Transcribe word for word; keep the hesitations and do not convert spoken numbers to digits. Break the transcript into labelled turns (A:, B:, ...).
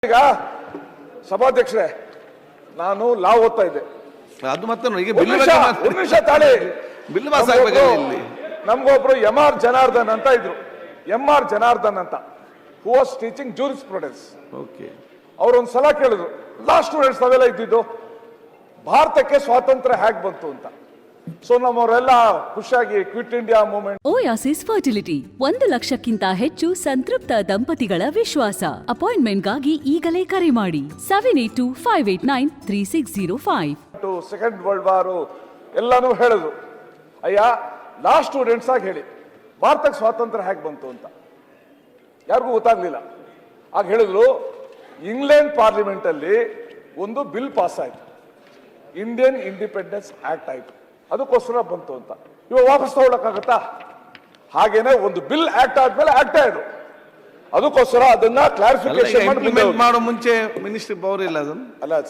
A: ಈಗ ಸಭಾಧ್ಯಕ್ಷರೇ, ನಾನು ಲಾ ಓದ್ತಾ ಇದ್ದೆ.
B: ಅದು ಮತ್ತೆ ಈಗ
A: ಒಂದು ನಿಮಿಷ ಒಂದು ನಿಮಿಷ ತಾಳಿ.
B: ಬಿಲ್ ಪಾಸ್ ಆಗ್ಬೇಕಲ್ಲ ಇಲ್ಲಿ.
A: ನಮ್ಗೊಬ್ರು ಎಂ ಆರ್ ಜನಾರ್ದನ್ ಅಂತ ಇದ್ರು, ಎಂ ಆರ್ ಜನಾರ್ದನ್ ಅಂತ, who was teaching jurisprudence.
B: Okay,
A: ಅವ್ರೊಂದ್ ಸಲ ಕೇಳಿದ್ರು, ಲಾ ಸ್ಟೂಡೆಂಟ್ಸ್ ನಾವೆಲ್ಲ ಇದ್ದಿದ್ದು ಭಾರತಕ್ಕೆ ಸ್ವಾತಂತ್ರ್ಯ ಹೇಗ್ ಬಂತು ಅಂತ. ಸೊ ನಮ್ಮವರೆಲ್ಲ ಖುಷಿಯಾಗಿ Quit India Movement.
C: Oasis Fertility ಒಂದು ಲಕ್ಷಕ್ಕಿಂತ ಹೆಚ್ಚು ಸಂತೃಪ್ತ ದಂಪತಿಗಳ ವಿಶ್ವಾಸ. ಅಪಾಯಿಂಟ್ಮೆಂಟ್ಗಾಗಿ ಈಗಲೇ ಕರೆ ಮಾಡಿ seven eight two five eight nine three six zero five.
A: Second world war ಎಲ್ಲಾನು ಹೇಳಿದ್ರು. ಅಯ್ಯ, ಲಾ ಸ್ಟೂಡೆಂಟ್ಸ್ ಆಗಿ ಹೇಳಿ ಭಾರತಕ್ಕೆ ಸ್ವಾತಂತ್ರ್ಯ ಹೇಗೆ ಬಂತು ಅಂತ ಯಾರಿಗೂ ಗೊತ್ತಾಗ್ಲಿಲ್ಲ. ಆಗ ಹೇಳಿದ್ರು, ಇಂಗ್ಲೆಂಡ್ ಪಾರ್ಲಿಮೆಂಟ್ ಅಲ್ಲಿ ಒಂದು ಬಿಲ್ ಪಾಸ್ ಆಯ್ತು, ಇಂಡಿಯನ್ ಇಂಡಿಪೆಂಡೆನ್ಸ್ ಆಕ್ಟ್ ಆಯ್ತು, ಅದಕ್ಕೋಸ್ಕರ ಬಂತು ಅಂತ. ಇವಾಗ ವಾಪಸ್ ತಗೊಳಕ್ಕಾಗತ್ತಾ? ಹಾಗೇನೆ ಒಂದು ಬಿಲ್ ಆಕ್ಟ್ ಆದ್ಮೇಲೆ ಆಕ್ಟ್ ಆಯ್ತು, ಅದಕ್ಕೋಸ್ಕರ ಅದನ್ನ ಕ್ಲಾರಿಫಿಕೇಶನ್
B: ಇಂಪ್ಲಿಮೆಂಟ್ ಮಾಡೋ ಮುಂಚೆ ಮಿನಿಸ್ಟ್ರಿ ಪವರ್ ಇಲ್ಲ ಅದನ್ನು.
A: ಅಲ್ಲ